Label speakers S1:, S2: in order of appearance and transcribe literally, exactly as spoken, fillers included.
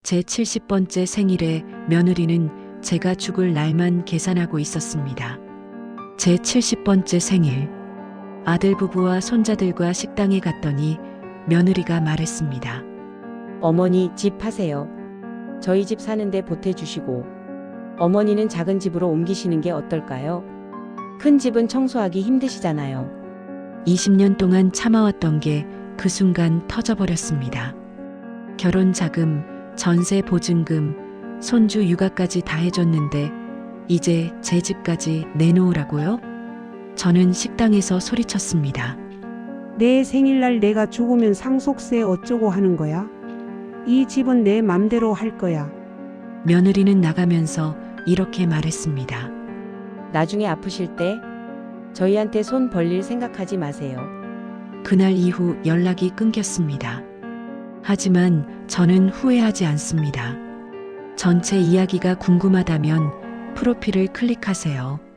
S1: 제 칠십 번째 생일에 며느리는 제가 죽을 날만 계산하고 있었습니다. 제 칠십 번째 생일. 아들 부부와 손자들과 식당에 갔더니 며느리가 말했습니다.
S2: 어머니 집 파세요. 저희 집 사는데 보태주시고 어머니는 작은 집으로 옮기시는 게 어떨까요? 큰 집은 청소하기 힘드시잖아요.
S1: 이십 년 동안 참아왔던 게 그 순간 터져버렸습니다. 결혼 자금, 전세 보증금, 손주 육아까지 다 해줬는데 이제 제 집까지 내놓으라고요? 저는 식당에서 소리쳤습니다.
S3: 내 생일날 내가 죽으면 상속세 어쩌고 하는 거야? 이 집은 내 맘대로 할 거야.
S1: 며느리는 나가면서 이렇게 말했습니다.
S2: 나중에 아프실 때 저희한테 손 벌릴 생각하지 마세요.
S1: 그날 이후 연락이 끊겼습니다. 하지만 저는 후회하지 않습니다. 전체 이야기가 궁금하다면 프로필을 클릭하세요.